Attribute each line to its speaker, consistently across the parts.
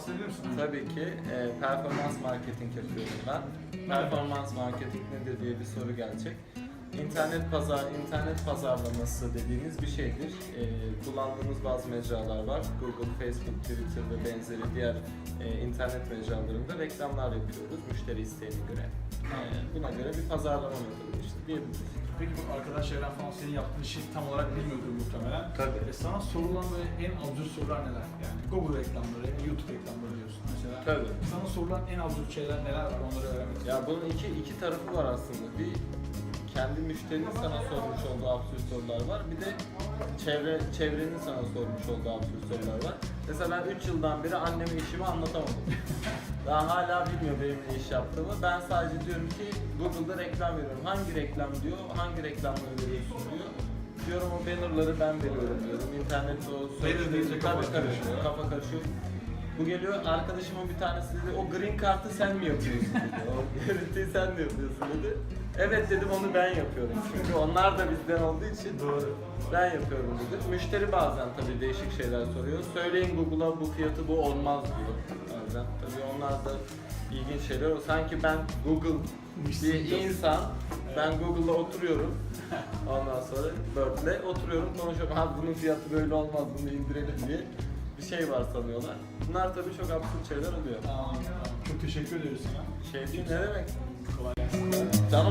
Speaker 1: bahsedebilir misin?
Speaker 2: Tabii ki performans marketing yapıyorum ben. Performans marketing nedir diye bir soru gelecek. İnternet pazarlaması dediğimiz bir şeydir. Kullandığımız bazı mecralar var. Google, Facebook, Twitter ve benzeri diğer internet mecralarında reklamlar yapıyoruz müşteri isteğine göre. Buna göre bir pazarlama metodu işte diyebiliriz.
Speaker 1: Peki bu arkadaş çevren falan senin yaptığın işi tam olarak bilmiyordur muhtemelen.
Speaker 2: Tabii.
Speaker 1: Sana sorulan böyle en absürt sorular neler? Yani Google reklamları, YouTube reklamları diyorsun mesela.
Speaker 2: Tabii.
Speaker 1: Sana sorulan en absürt şeyler neler var onları öğrenmek istiyorum.
Speaker 2: Ya bunun iki tarafı var aslında. Bir kendi müşterinin sana sormuş olduğu absürt sorular var. Bir de çevrenin sana sormuş olduğu absürt sorular var. Mesela ben 3 yıldan beri anneme işimi anlatamadım. Daha hala bilmiyor benim ne iş yaptığımı. Ben sadece diyorum ki Google'da reklam veriyorum. Hangi reklam diyor, hangi reklamları veriyorsun diyor. Diyorum o bannerları ben veriyorum diyorum. İnternette o
Speaker 1: Banner deyince kafa karışıyor.
Speaker 2: Kafa karışıyor. Bu geliyor arkadaşımın bir tanesi dedi o green kartı sen mi yapıyorsun dedi. O görüntüyü sen mi yapıyorsun dedi. Evet dedim onu ben yapıyorum. Çünkü onlar da bizden olduğu için
Speaker 1: Doğru.
Speaker 2: ben yapıyorum dedim. Müşteri bazen tabii değişik şeyler soruyor. Söyleyin Google'a bu fiyatı bu olmaz diyor bazen. Tabii onlar da ilginç şeyler. Sanki ben Google bir insan, ben Google'da oturuyorum. Ondan sonra Bird'le oturuyorum konuşuyorum. Ha bunun fiyatı böyle olmaz bunu indirelim diye bir şey var sanıyorlar. Bunlar tabii çok absürt şeyler oluyor.
Speaker 1: Tamam. Çok teşekkür ediyoruz sana.
Speaker 2: Şey değil ne demek?
Speaker 1: Kolay gelsin.
Speaker 2: Canım.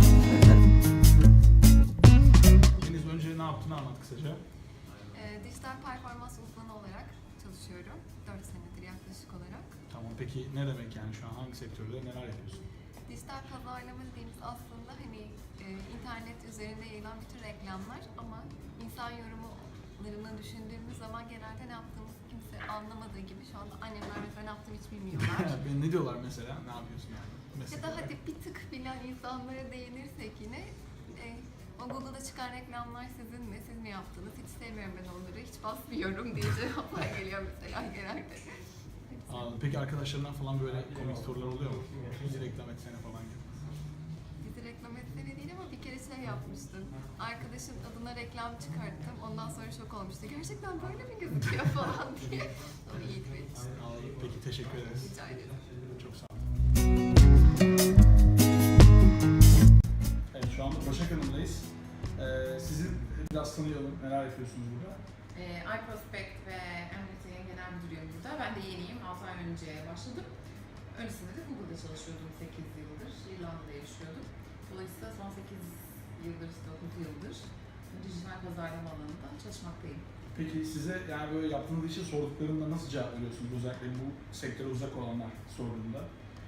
Speaker 1: Deniz önce ne yaptığını anlat kısaca.
Speaker 3: Dijital performans uzmanı olarak çalışıyorum. 4 senedir yaklaşık olarak.
Speaker 1: Tamam, peki ne demek yani şu an hangi sektörde neler yapıyorsun?
Speaker 3: Dijital pazarlama dediğimiz aslında hani internet üzerinde yayılan bütün reklamlar ama insan yorumlarını düşündüğümüz zaman genelde ne yaptığımızı kimse anlamadığı gibi şu anda annemler mesela ne yaptığımı hiç bilmiyorlar.
Speaker 1: Ne diyorlar mesela? Ne yapıyorsun yani?
Speaker 3: Ya da hadi bir tık bilen insanlara değinirsek yine o Google'da çıkan reklamlar sizin mi? Siz mi yaptınız? Hiç sevmiyorum ben onları. Hiç basmıyorum diye cevaplar geliyor mesela genelde.
Speaker 1: Anladım. Peki arkadaşlarından falan böyle komik sorular oluyor mu? Bizi reklam etsene falan gibi.
Speaker 3: Bizi reklam etsene değil ama bir kere şey yapmıştım. Arkadaşın adına reklam çıkarttım. Ondan sonra şok olmuştu. Gerçekten böyle mi gözüküyor falan diye. O iyiydi benim için.
Speaker 1: Anladım. Peki teşekkür ederiz.
Speaker 3: Rica ederim.
Speaker 1: Çok sağ olun. Evet, şu anda Başak Hanım'dayız. Sizi biraz tanıyalım. Neler yapıyorsunuz burada?
Speaker 4: iProspect ve Emniyet'in genel müdürüyüm burada. Ben de yeniyim. 6 ay önce başladım. Öncesinde de Google'da çalışıyordum 8 yıldır. İrlanda'da yaşıyordum. Dolayısıyla son 8 yıldır, 9 yıldır dijital pazarlama alanında çalışmaktayım.
Speaker 1: Peki size yani böyle yaptığınız işi sorduklarında nasıl cevap veriyorsunuz? Özellikle bu sektöre uzak olanlar sorduğunda.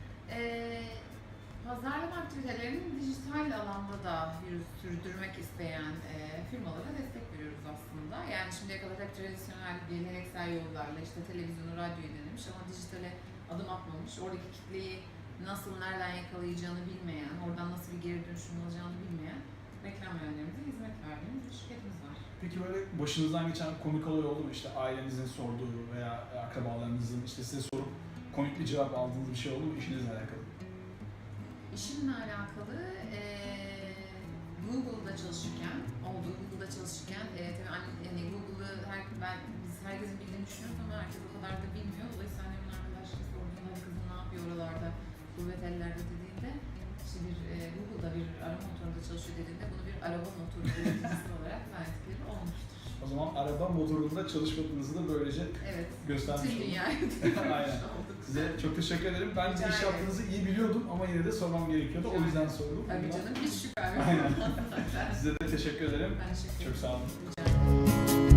Speaker 4: Pazarlama aktivitelerini dijital alanda da sürdürmek isteyen firmalara destek veriyoruz aslında. Yani şimdiye kadar hep tradisyonel geleneksel yollarla işte televizyonu, radyoyu denemiş ama dijitale adım atmamış. Oradaki kitleyi nasıl, nereden yakalayacağını bilmeyen, oradan nasıl bir geri dönüşüm alacağını bilmeyen reklam yönlerimize hizmet verdiğimiz bir şirketimiz var.
Speaker 1: Peki böyle başınızdan geçen komik olay oldu mu? İşte ailenizin sorduğu veya akrabalarınızın işte size sorup komik bir cevap aldığınız bir şey oldu mu işinizle alakalı?
Speaker 4: İşimle alakalı Google'da çalışırken, Google'da çalışırken tabii yani Google'ı biz herkesin bildiğini düşünüyoruz ama herkes o kadar da bilmiyor. Dolayısıyla annemin arkadaşları sorduğunda kızım ne yapıyor oralarda, gurbet ellerde dediğinde işte Google'da bir arama motorunda çalışıyor dediğinde bunu bir araba motoru üreticisi olarak verdikleri olmuştur.
Speaker 1: O zaman araba motorunda çalışmadığınızı da böylece göstermiş
Speaker 4: Tüm
Speaker 1: olduk.
Speaker 4: dünyayı
Speaker 1: Aynen. Size çok teşekkür ederim. Ben
Speaker 4: Rica
Speaker 1: iş
Speaker 4: ederim.
Speaker 1: yaptığınızı iyi biliyordum ama yine de sormam gerekiyordu. O yüzden sordum.
Speaker 4: Tabii canım hiç şüphem yok.
Speaker 1: Aynen. Size de teşekkür ederim.
Speaker 4: Ben teşekkür
Speaker 1: Çok sağ olun.
Speaker 4: Rica ederim.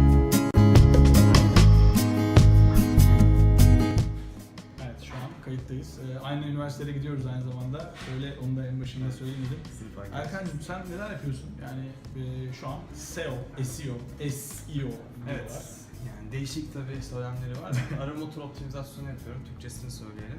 Speaker 1: Evet, şu an kayıttayız. Aynı üniversitede gidiyoruz aynı zamanda. Şöyle onu da en başında söylemedim. Erkan'cığım sen neler yapıyorsun? Yani şu an SEO, SEO diyorlar.
Speaker 5: Evet. Yani değişik tabii söylemleri var. Arama motor optimizasyonu yapıyorum. Türkçesini söyleyelim.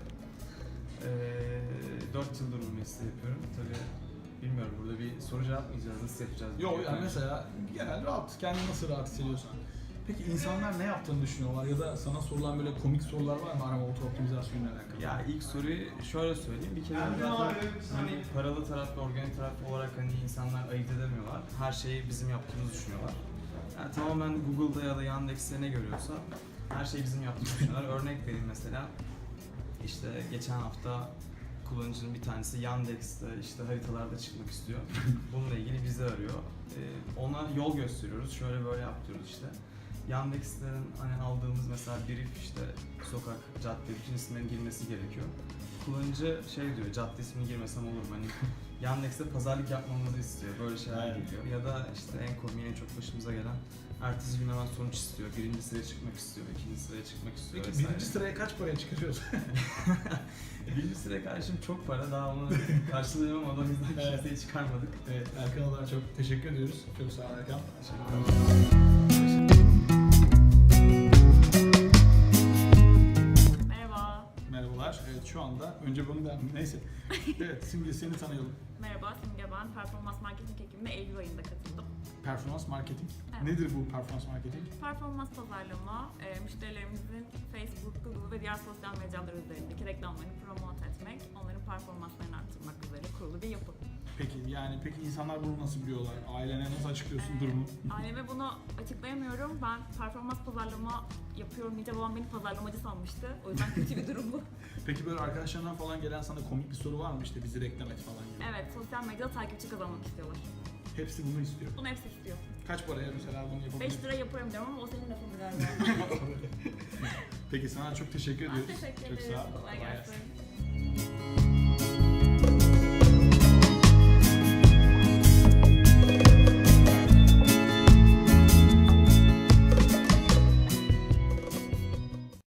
Speaker 5: 4 yıldır bu mesleği yapıyorum. Tabii bilmiyorum burada bir soru cevap mı yapacağız, nasıl yapacağız?
Speaker 1: Yok yani mesela genel rahat, kendini nasıl rahat hissediyorsan. Peki insanlar ne yaptığını düşünüyorlar ya da sana sorulan böyle komik sorular var mı arama motor optimizasyonuyla alakalı?
Speaker 5: Ya ilk soruyu şöyle söyleyeyim. Bir kere zaten hani paralı taraf ve organik taraf olarak hani insanlar ayırt edemiyorlar. Her şeyi bizim yaptığımızı düşünüyorlar. Yani tamamen Google'da ya da Yandex'te ne görüyorsa her şeyi bizim yaptığımızı düşünüyorlar. Örnek vereyim mesela. İşte geçen hafta kullanıcının bir tanesi Yandex'te işte haritalarda çıkmak istiyor. Bununla ilgili bizi arıyor. Ona yol gösteriyoruz. Şöyle böyle yap diyoruz işte. Yandex'ten hani aldığımız mesela brief işte sokak, cadde, bütün isimlerin girmesi gerekiyor. Kullanıcı şey diyor, cadde ismini girmesem olur mu? Hani Yandex'te pazarlık yapmamızı istiyor. Böyle şeyler
Speaker 1: Aynen.
Speaker 5: geliyor. Ya da işte en komik, en çok başımıza gelen ertesi gün hemen sonuç istiyor. Birinci sıraya çıkmak istiyor, ikinci sıraya çıkmak istiyor
Speaker 1: Peki
Speaker 5: vesaire.
Speaker 1: birinci sıraya kaç paraya çıkarıyorsun?
Speaker 5: Birinci sıraya karşım çok para, daha onu karşılayamam, o yüzden
Speaker 1: Evet.
Speaker 5: kimseyi çıkarmadık.
Speaker 1: Evet, Erkan olarak çok teşekkür ediyoruz. Çok sağ ol Erkan.
Speaker 6: Merhaba.
Speaker 1: Merhabalar. Evet, şu anda önce bunu ben neyse. Evet, Simge seni tanıyalım.
Speaker 6: Merhaba, Simge ben. Performans marketing ekibine Eylül ayında katıldım.
Speaker 1: Performans marketing.
Speaker 6: Evet.
Speaker 1: Nedir bu performans marketing?
Speaker 6: Performans pazarlama, müşterilerimizin Facebook, Google ve diğer sosyal medyalar üzerindeki reklamlarını promote etmek, onların performanslarını arttırmak üzere kurulu bir yapı.
Speaker 1: Peki insanlar bunu nasıl biliyorlar? Ailene nasıl açıklıyorsun durumu?
Speaker 6: Aileme bunu açıklayamıyorum. Ben performans pazarlama yapıyorum deyince babam beni pazarlamacı sanmıştı. O yüzden kötü bir durum bu.
Speaker 1: Peki böyle arkadaşlarından falan gelen sana komik bir soru var mı işte bizi reklam et falan gibi?
Speaker 6: Evet, sosyal medyada takipçi kazanmak istiyorlar.
Speaker 1: Hepsi bunu istiyor.
Speaker 6: Bunu hepsi istiyor.
Speaker 1: Kaç paraya mesela bunu
Speaker 6: 5
Speaker 1: yapabilirsin?
Speaker 6: lira yaparım diyorum ama o senin lafın galiba.
Speaker 1: Peki sana çok teşekkür
Speaker 6: Ben
Speaker 1: ediyoruz.
Speaker 6: teşekkür
Speaker 1: Çok
Speaker 6: ederim.
Speaker 1: sağ ol.
Speaker 6: Kolay
Speaker 1: Kolay
Speaker 6: gelsin.